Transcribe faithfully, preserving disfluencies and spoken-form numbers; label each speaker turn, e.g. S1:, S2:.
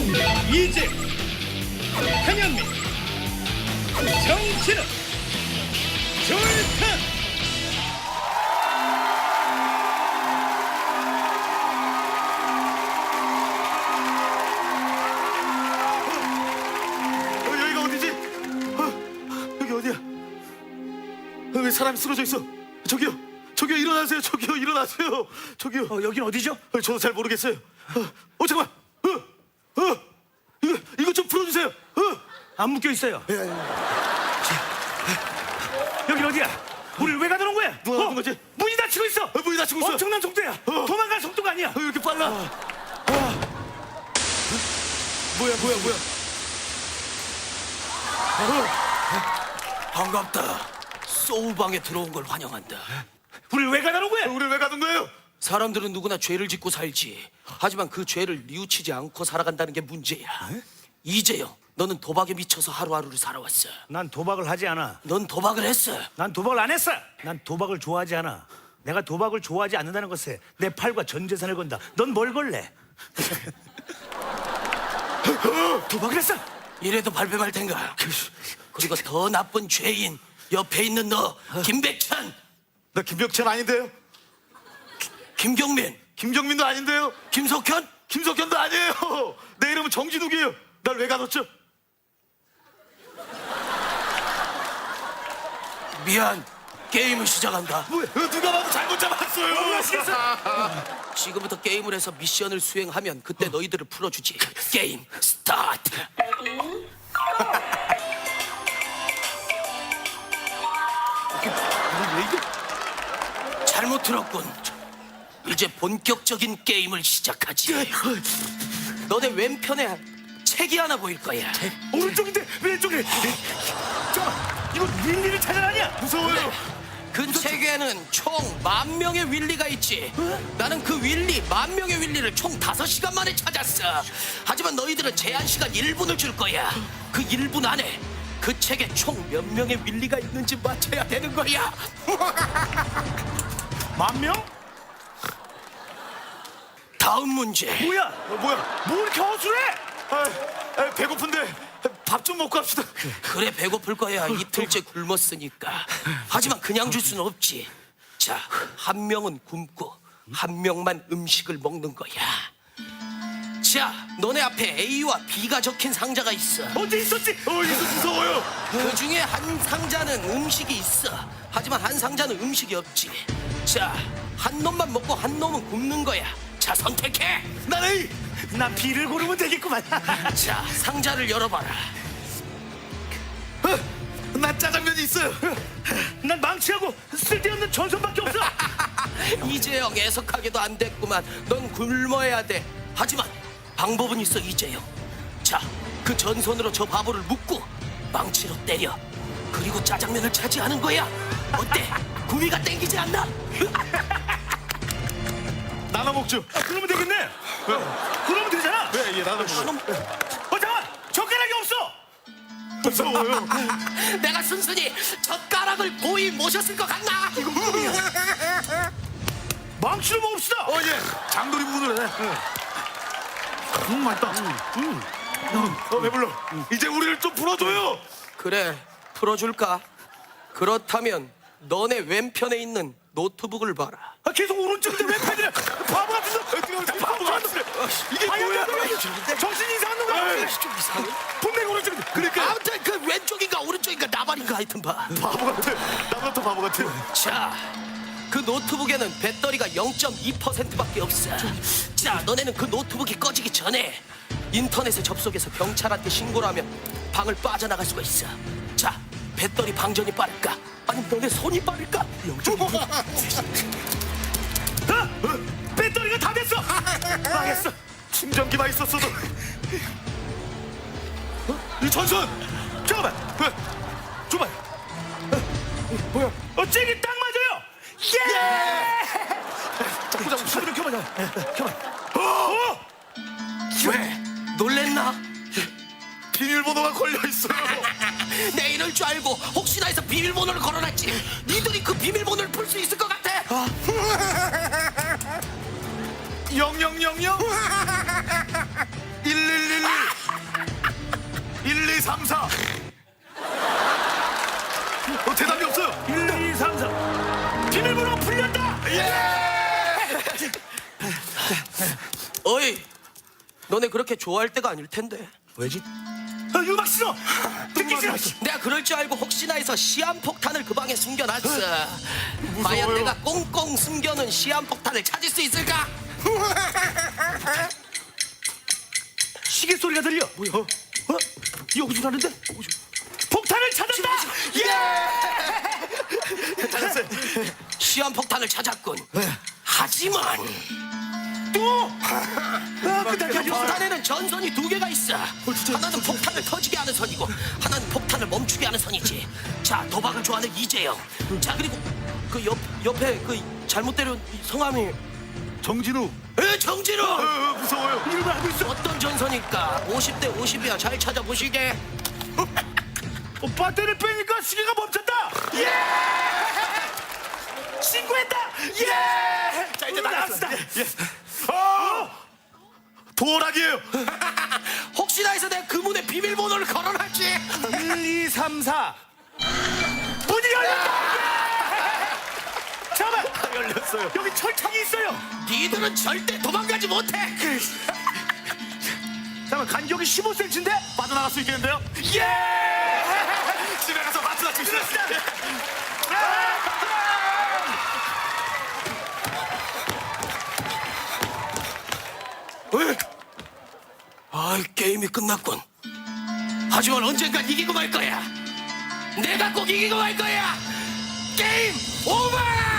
S1: 이제 한현민, 정진우, 졸탄.
S2: 어, 여기가 어디지? 어, 여기 어디야? 어, 왜 사람이 쓰러져 있어? 저기요, 저기요, 일어나세요. 저기요, 일어나세요. 저기요.
S3: 어, 여긴 어디죠?
S2: 어, 저도 잘 모르겠어요. 어, 어 잠깐만. 어, 어, 이거 이거 좀 풀어주세요. 어.
S3: 안 묶여 있어요.
S2: 예, 예.
S3: 여긴 어디야? 우리를 왜 가두는 거야?
S2: 누가 가둔 거지?
S3: 문이 닫히고 있어.
S2: 어, 문이 닫히고 있어.
S3: 엄청난 속도야.
S2: 어.
S3: 도망갈 속도가 아니야.
S2: 어, 왜 이렇게 빨라? 어. 뭐야, 뭐야, 뭐야? 어.
S4: 반갑다. 소울방에 들어온 걸 환영한다.
S3: 우리를 왜 가두는 거야?
S2: 우리 왜 가둔 거예요?
S4: 사람들은 누구나 죄를 짓고 살지. 하지만 그 죄를 뉘우치지 않고 살아간다는 게 문제야. 이재영, 너는 도박에 미쳐서 하루하루를 살아왔어.
S3: 난 도박을 하지 않아.
S4: 넌 도박을 했어.
S3: 난 도박을 안 했어. 난 도박을 좋아하지 않아. 내가 도박을 좋아하지 않는다는 것에 내 팔과 전 재산을 건다. 넌 뭘 걸래? 도박을 했어.
S4: 이래도 발뺌할 텐가. 그리고 더 나쁜 죄인 옆에 있는 너 김백찬,
S2: 나 김병찬 아닌데요?
S4: 김경민,
S2: 김경민도 아닌데요?
S4: 김석현.
S2: 김석현도 아니에요. 내 이름은 정진욱이에요. 날 왜 가뒀죠?
S4: 미안. 게임을 시작한다.
S2: 뭐, 누가 봐도 잘못 잡았어요.
S4: 지금부터 게임을 해서 미션을 수행하면 그때 너희들을 풀어주지. 게임 스타트.
S2: 왜 이게?
S4: 잘못 들었군. 이제 본격적인 게임을 시작하지. 너네 왼편에 책이 하나 보일 거야.
S3: 오른쪽인데 왼쪽에. 잠깐만. 이거 윌리를 찾아라 아니야?
S2: 무서워요.
S4: 그 책에는 총 만 명의 윌리가 있지. 나는 그 윌리, 만 명의 윌리를 총 다섯 시간 만에 찾았어. 하지만 너희들은 제한 시간 일 분을 줄 거야. 그 일 분 안에 그 책에 총 몇 명의 윌리가 있는지 맞춰야 되는 거야.
S3: 만 명?
S4: 다음 문제.
S3: 뭐야?
S2: 어, 뭐야?
S3: 뭐 이렇게 허술해?
S2: 아, 아, 배고픈데 밥 좀 먹고 합시다.
S4: 그래, 배고플 거야. 이틀째 굶었으니까. 하지만 그냥 줄 수는 없지. 자, 한 명은 굶고 한 명만 음식을 먹는 거야. 자, 너네 앞에 A와 B가 적힌 상자가 있어.
S3: 어디 있었지?
S2: 어, 이거 무서워요.
S4: 그 중에 한 상자는 음식이 있어. 하지만 한 상자는 음식이 없지. 자, 한 놈만 먹고 한 놈은 굶는 거야. 자, 선택해.
S2: 난 A.
S3: 난 B를 고르면 되겠구만.
S4: 자, 상자를 열어봐라.
S2: 어, 난 짜장면이 있어요.
S3: 난 망치하고 쓸데없는 전선밖에 없어.
S4: 이재영, 애석하게도 안 됐구만. 넌 굶어야 돼. 하지만 방법은 있어, 이재영. 자, 그 전선으로 저 바보를 묶고 망치로 때려. 그리고 짜장면을 차지하는 거야. 어때? 구미가 땡기지 않나?
S2: 나눠 먹죠.
S3: 아, 그러면 되겠네.
S2: 왜?
S3: 그러면 되잖아.
S2: 왜? 예, 나눠 먹죠.
S4: 그럼
S3: 어, 잠깐. 젓가락이 없어.
S2: 무서워요.
S4: 내가 순순히 젓가락을 고이 모셨을 것 같나?
S3: 망치로 먹읍시다.
S2: 어, 예. 장돌이 부분을 해. 음, 맛있다. 음. 어, 배불러. 이제 우리를 좀 풀어줘요.
S4: 그래, 풀어줄까? 그렇다면 너네 왼편에 있는 노트북을 봐라.
S3: 아, 계속 오른쪽인데 왜 패드려? 바보 같은 놈.
S2: 바보 같은 이게 뭐야?
S3: 정신이 이상한 놈 같아.
S4: 좀 이상해.
S3: 분명히 오른쪽인데.
S2: 그러니까
S4: 아무튼 그 왼쪽인가 오른쪽인가 나발인가 하여튼 봐.
S2: 바보 같아. 나보다 더 바보 같아.
S4: 자, 그 노트북에는 배터리가 영 점 이 퍼센트밖에 없어. 자, 너네는 그 노트북이 꺼지기 전에 인터넷에 접속해서 경찰한테 신고를 하면 방을 빠져나갈 수가 있어. 자, 배터리 방전이 빠를까? 아니면 너네 손이 빠를까?
S3: 어? 배터리가 다 됐어. 망했어.
S2: 충전기만 있었어도. 어? 이 전선.
S3: 잠깐만.
S2: 왜?
S3: 줘봐. 어, 뭐야? 어, 잭이 딱 맞아요. 예!
S2: 자꾸 자꾸
S3: 소리를 켜봐. 켜봐.
S2: 어!
S4: 왜? 놀랬나?
S2: 비밀번호가 걸려 있어요.
S4: 내 이럴 줄 알고 혹시나 해서 비밀번호를 걸어놨지. 니들이 그 비밀번호를 풀 수 있을 것 같아.
S2: 영영영영 일일일 일, 이, 삼, 사. 어, 대답이 없어요.
S3: 일, 이, 삼, 사. 비밀번호 풀렸다.
S4: 어이, 너네 그렇게 좋아할 때가 아닐 텐데.
S3: 왜지? 아, 음악 싫어. 듣기 싫어.
S4: 내가 그럴 줄 알고 혹시나 해서 시한폭탄을 그 방에 숨겨놨어. 과연 내가 꽁꽁 숨겨놓은 시한폭탄을 찾을 수 있을까?
S3: 시계 소리가 들려. 뭐야? 어? 어? 여기서 나는데? 폭탄을 찾았다.
S2: 찾았어요.
S4: 시한폭탄을 찾았군. 하지만
S3: 또? 아,
S4: 그
S3: 그다지
S4: 폭탄에는 전선이 두 개가 있어. 하나는 폭탄을 터지게 하는 선이고 하나는 폭탄을 멈추게 하는 선이지. 자, 도박을 좋아하는 이재영. 자, 그리고 그 옆, 옆에 그 잘못 때린 이 성함이
S2: 정진우.
S4: 에 정진우.
S2: 어, 어, 무서워요.
S3: 이름을 알고 있어.
S4: 어떤 전선일까? 오십 대 오십이야. 잘 찾아보시게.
S3: 어, 배터리 빼니까 시계가 멈췄다. 예! 신고했다. 예! 자, 이제 나갔다.
S2: 어! 도락이에요.
S4: 혹시나 해서 내가 그 문에 비밀번호를 걸어놨지.
S3: 일, 이, 삼, 사. 문이 열렸다. 예! 잠깐만.
S2: 열렸어요.
S3: 여기 철창이 있어요.
S4: 니들은 절대 도망가지 못해.
S3: 잠깐만, 간격이 십오 센티미터인데?
S2: 빠져나갈 수 있겠는데요?
S3: 예!
S2: 집에 가서 마트 다칩시다.
S4: 아, 게임이 끝났군. 하지만 언젠간 이기고 말 거야. 내가 꼭 이기고 말 거야. 게임 오버!